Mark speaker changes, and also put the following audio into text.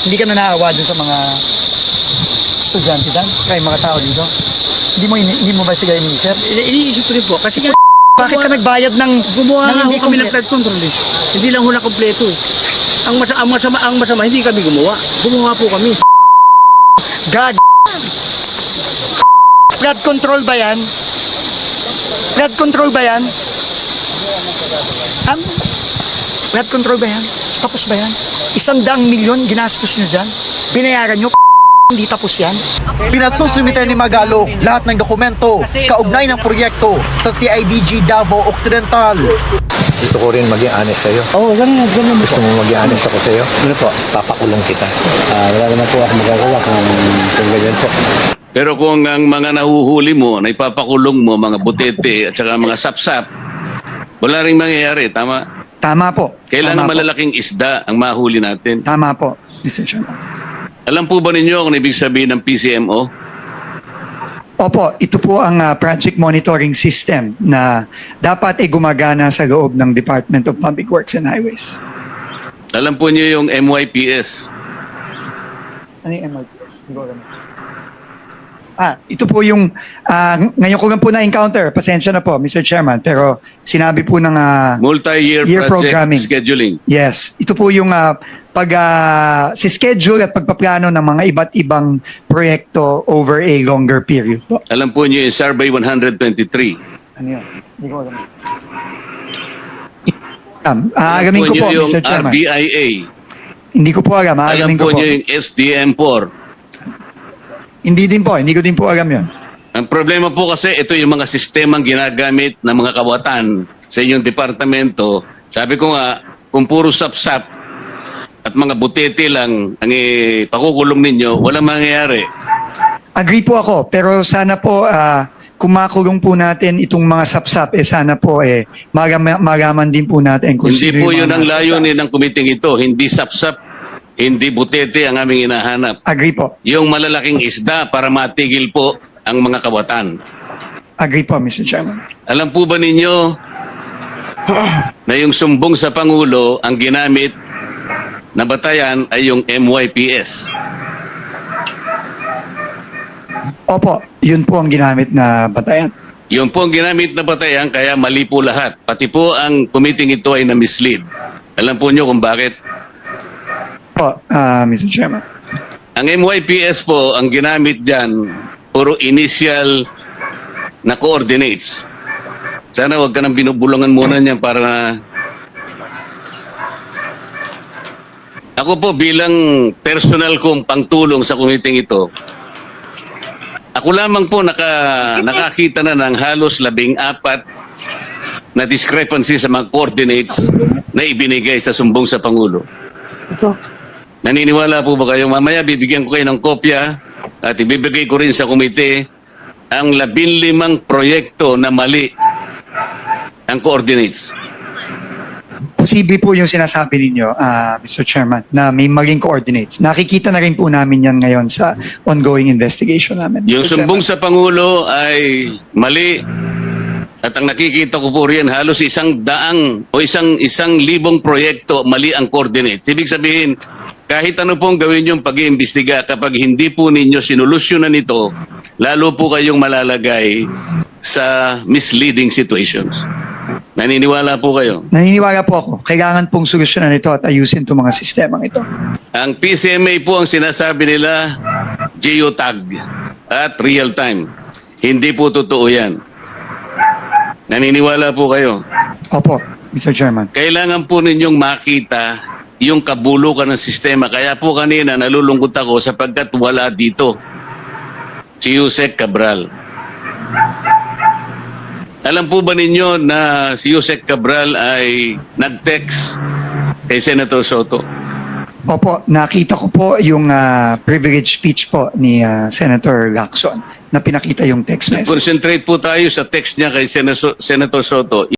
Speaker 1: Hindi ka na naawa dun sa mga estudyante dyan, saka yung mga tao dito. Hindi mo ba sila iniisip?
Speaker 2: Iniisip ko rin po. Kasi nga,
Speaker 1: Bakit ka nagbayad ng
Speaker 2: gumawa nga
Speaker 1: hindi
Speaker 2: ho kami ng
Speaker 1: kompleto?
Speaker 2: flood control eh. Hindi lang ho na kompleto eh. Ang masama, hindi kami gumawa. Gumawa po kami.
Speaker 1: Gag. Flood control ba yan? Flood control ba yan? Flood control ba yan? Tapos ba yan? 100 milyon ginastos nyo dyan? Binayaran nyo? Hindi tapos yan?
Speaker 3: Pinasusumitan ni Magalo lahat ng dokumento kaugnay ng proyekto sa CIDG Davao Occidental.
Speaker 4: Gusto ko rin maging honest sa'yo.
Speaker 2: Oo, ganun
Speaker 4: Gusto mo maging honest ako sa'yo?
Speaker 2: Ano po?
Speaker 4: Papakulong kita.
Speaker 2: Wala naman po ako magagawa kung ganyan po.
Speaker 5: Pero kung ang mga nahuhuli mo, na ipapakulong mo, mga butete at saka mga sapsap, wala rin mangyayari, tama?
Speaker 1: Tama po.
Speaker 5: Kailangan
Speaker 1: Tama po.
Speaker 5: malalaking isda ang mahuli natin.
Speaker 1: Tama po, Mr. Chairman.
Speaker 5: Alam po ba ninyo kung ibig sabihin ng PCMO?
Speaker 1: Opo, ito po ang project monitoring system na dapat ay gumagana sa loob ng Department of Public Works and Highways.
Speaker 5: Alam po niyo yung MYPS?
Speaker 1: Ano yung MLPS? Hindi ko alam. Ito po yung, ngayon ko lang po na-encounter, pasensya na po, Mr. Chairman, pero sinabi po ng
Speaker 5: Multi-year
Speaker 1: Year
Speaker 5: project
Speaker 1: programming.
Speaker 5: scheduling.
Speaker 1: yes, ito po yung si schedule at pagpaplano ng mga iba't ibang proyekto over a longer period po.
Speaker 5: Alam po niyo yung Survey 123.
Speaker 1: Ano yun? Hindi ko alam. Aalamin ko
Speaker 5: niyo
Speaker 1: po,
Speaker 5: yung
Speaker 1: Mr. Chairman.
Speaker 5: RBIA.
Speaker 1: Hindi ko po alam,
Speaker 5: Alam
Speaker 1: aalamin
Speaker 5: po
Speaker 1: ko po.
Speaker 5: niyo yung SDM4.
Speaker 1: Hindi ko din po alam yun.
Speaker 5: Ang problema po kasi ito yung mga sistemang ginagamit ng mga kawatan sa inyong departamento. Sabi ko nga, kung puro sapsap at mga butete lang ang pakukulong ninyo, walang mangyayari.
Speaker 1: Agree po ako, pero sana po kung makulong po natin itong mga sapsap, sana po magaman din po natin kung
Speaker 5: Hindi
Speaker 1: sino
Speaker 5: po
Speaker 1: yung
Speaker 5: yun
Speaker 1: mga
Speaker 5: ang
Speaker 1: nasa
Speaker 5: layunin
Speaker 1: taas.
Speaker 5: ng kumiting ito. Hindi sapsap, hindi butete ang aming hinahanap.
Speaker 1: Agree po.
Speaker 5: Yung malalaking isda para matigil po ang mga kawatan.
Speaker 1: Agree po, Mr. Chairman.
Speaker 5: Alam po ba ninyo na yung sumbong sa Pangulo ang ginamit na batayan ay yung MYPS?
Speaker 1: Opo, yun po ang ginamit na batayan.
Speaker 5: Yun po ang ginamit na batayan kaya mali po lahat. Pati po ang committee ito ay na-mislead. Alam po nyo kung bakit?
Speaker 1: Po, Mr. Chairman.
Speaker 5: Ang MYPS po, ang ginamit dyan, puro initial na coordinates. Sana wag ka nang binubulungan muna niyan para na... Ako po bilang personal kong pangtulong sa committee ito, ako lamang po nakakita na ng halos 14 na discrepancy sa mga coordinates na ibinigay sa sumbong sa Pangulo. Naniniwala po ba kayo? Mamaya bibigyan ko kayo ng kopya at ibibigay ko rin sa komite ang 15 proyekto na mali ang coordinates.
Speaker 1: Posible po yung sinasabi ninyo, Mr. Chairman, na may maling coordinates. Nakikita na rin po namin yan ngayon sa ongoing investigation namin.
Speaker 5: Yung
Speaker 1: Mr.
Speaker 5: sumbong
Speaker 1: Chairman.
Speaker 5: sa Pangulo ay mali at ang nakikita ko po riyan halos 100 o isang libong proyekto mali ang coordinates. Ibig sabihin, kahit ano pong gawin yung pag-iimbestiga, kapag hindi po ninyo sinolusyonan ito, lalo po kayong malalagay sa misleading situations. Naniniwala po kayo?
Speaker 1: Naniniwala po ako. Kailangan pong solusyonan ito at ayusin itong mga sistemang ito.
Speaker 5: Ang PCMA po ang sinasabi nila, geotag at real time. Hindi po totoo yan. Naniniwala po kayo?
Speaker 1: Opo, Mr. Chairman.
Speaker 5: Kailangan po ninyong makita yung kabulukan ng sistema. Kaya po kanina nalulungkot ako sapagkat wala dito si Yusek Cabral. Alam po ba ninyo na si Yusek Cabral ay nag-text kay Senator Soto?
Speaker 1: Opo, nakita ko po yung privilege speech po ni Senator Lacson na pinakita yung text message.
Speaker 5: Concentrate po tayo sa text niya kay Senator Soto.